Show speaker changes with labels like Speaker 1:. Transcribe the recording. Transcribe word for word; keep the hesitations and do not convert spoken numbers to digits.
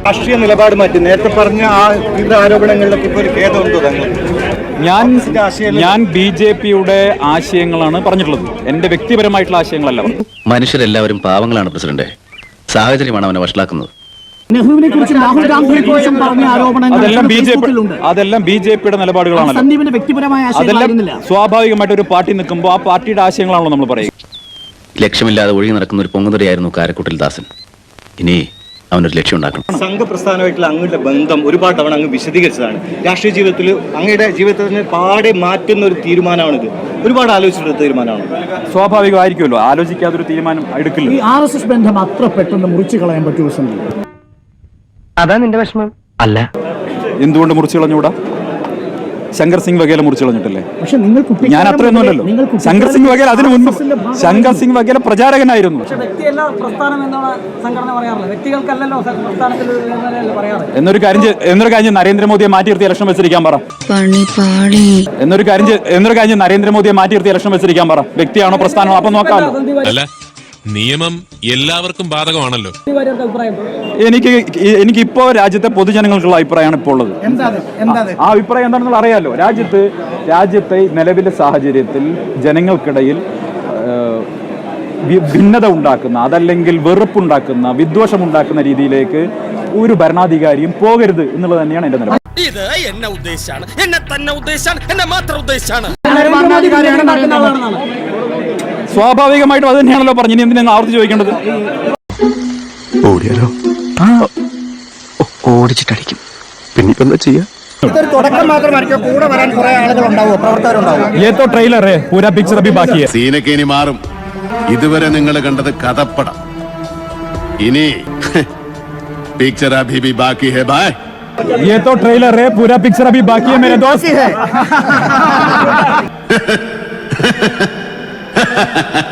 Speaker 1: രാഷ്ട്രീയ നിലപാട് മാറ്റി നേരത്തെ പറഞ്ഞ ആ വിവിധ ആരോപണങ്ങളിലൊക്കെ ഇപ്പോൾ ഒരു ഖേദമുണ്ടോ താങ്കൾ?
Speaker 2: ഞാൻ ഞാൻ ബി ജെ പിയുടെ ആശയങ്ങളാണ് പറഞ്ഞിട്ടുള്ളത്, എന്റെ വ്യക്തിപരമായിട്ടുള്ള ആശയങ്ങളല്ല.
Speaker 3: മനുഷ്യരെല്ലാവരും പാവങ്ങളാണ് പ്രസിഡന്റ്, സാഹചര്യമാണ് അവനെ വഷളാക്കുന്നത്.
Speaker 4: നെഹ്റുവിനെ കുറിച്ചും രാഹുൽ ഗാന്ധിയെ കുറിച്ചും പറഞ്ഞ ആരോപണങ്ങൾ
Speaker 2: അതെല്ലാം ബി ജെ പി അതെല്ലാം ബി ജെ പിയുടെ നിലപാടുകളാണല്ലോ.
Speaker 4: സന്ദീപിന്റെ വ്യക്തിപരമായ
Speaker 2: അതെല്ലാം സ്വാഭാവികമായിട്ട് ഒരു പാർട്ടി നിൽക്കുമ്പോൾ ആ പാർട്ടിയുടെ ആശയങ്ങളാണല്ലോ നമ്മൾ പറയുക.
Speaker 3: ലക്ഷ്യമില്ലാതെ ഒഴുകി നടക്കുന്ന ഒരു പൊങ്ങുതടിയായിരുന്നു കാരക്കുട്ടിൽ ദാസൻ. ഇനി അവനൊരു ലക്ഷ്യം ഉണ്ടാക്കണം.
Speaker 1: സംഘപ്രസ്ഥാനമായിട്ടുള്ള അങ്ങയുടെ ബന്ധം ഒരുപാട് തവണ അങ്ങ് വിശദീകരിച്ചതാണ്. രാഷ്ട്രീയ ജീവിതത്തിൽ അങ്ങയുടെ ജീവിതത്തിന് പാടെ മാറ്റുന്ന ഒരു തീരുമാനമാണിത്. ഒരുപാട് ആലോചിച്ചിട്ടുള്ള തീരുമാനമാണ്.
Speaker 2: സ്വാഭാവികമായിരിക്കുമല്ലോ, ആലോചിക്കാതൊരു തീരുമാനം എടുക്കില്ല.
Speaker 4: ഈ ആർ എസ് എസ് ബന്ധം അത്ര പെട്ടെന്ന് മുറിച്ചു കളയാൻ പറ്റുമോ സന്ദീപ്?
Speaker 5: അതാ നിന്റെ വിഷമം അല്ല?
Speaker 2: എന്തുകൊണ്ട് മുറിച്ചു കളഞ്ഞൂടാ? ശങ്കർ സിംഗ് വഗേല മുറിച്ചു കളഞ്ഞിട്ടല്ലേ?
Speaker 4: പക്ഷെ നിങ്ങൾ
Speaker 2: ഞാൻ അത്രയൊന്നും അല്ലല്ലോ. ശങ്കർ സിംഗ് വഗേല അതിനു മുൻപ് ശങ്കർ സിംഗ് വഗേല പ്രചാരകനായിരുന്നു. എന്നൊരു കാര്യം എന്നൊരു കാര്യം നരേന്ദ്രമോദിയെ മാറ്റി നിർത്തി ഇലക്ഷൻ വെച്ചിരിക്കാൻ പറ. എന്നൊരു കാര്യം എന്നൊരു കാര്യം നരേന്ദ്രമോദിയെ മാറ്റി നിർത്തി ഇലക്ഷൻ വെച്ചിരിക്കാൻ പറ. വ്യക്തിയാണോ പ്രസ്ഥാനമാണോ അപ്പൊ നോക്കാമല്ലോ.
Speaker 6: നിയമം എല്ലാവർക്കും ബാധകമാണല്ലോ.
Speaker 2: എനിക്ക് എനിക്ക് ഇപ്പോ രാജ്യത്തെ പൊതുജനങ്ങൾക്കുള്ള അഭിപ്രായമാണ് ഇപ്പോൾ ഉള്ളത്. ആ അഭിപ്രായം എന്താണെന്നുള്ള അറിയാലോ. രാജ്യത്ത് രാജ്യത്തെ നിലവിലെ സാഹചര്യത്തിൽ ജനങ്ങൾക്കിടയിൽ ഭിന്നത ഉണ്ടാക്കുന്ന, അതല്ലെങ്കിൽ വെറുപ്പുണ്ടാക്കുന്ന, വിദ്വേഷമുണ്ടാക്കുന്ന രീതിയിലേക്ക് ഒരു ഭരണാധികാരിയും പോകരുത് എന്നുള്ളത് തന്നെയാണ് എന്റെ നിലപാട്.
Speaker 7: ഇത് എന്നെ ഉദ്ദേശാണ്, എന്നെ തന്നെ ഉദ്ദേശാണ്, എന്നെ മാത്രം ഉദ്ദേശാണ്.
Speaker 2: സ്വാഭാവികമായിട്ടും അത് തന്നെയാണല്ലോ പറഞ്ഞു. ഇനി എന്തിനാ ആവർത്തി ചോദിക്കേണ്ടത്?
Speaker 8: ഓടിയാലോ? ഓടിച്ചിട്ടടിക്കും. പിന്നെ ഇപ്പൊ എന്താ ചെയ്യാ?
Speaker 2: ये तो ट्रेलर है, पूरा पिक्चर अभी बाकी है.
Speaker 9: സീനൊക്കെ ഇനി മാറും. ഇതുവരെ നിങ്ങൾ കണ്ടത് കഥപ്പടം. ഇനി പിക്ചർ അഭി ഭി ബാക്കി ഹെ ബായ്.
Speaker 2: ये तो ट्रेलर है, पूरा पिक्चर अभी बाकी है मेरे दोस्त.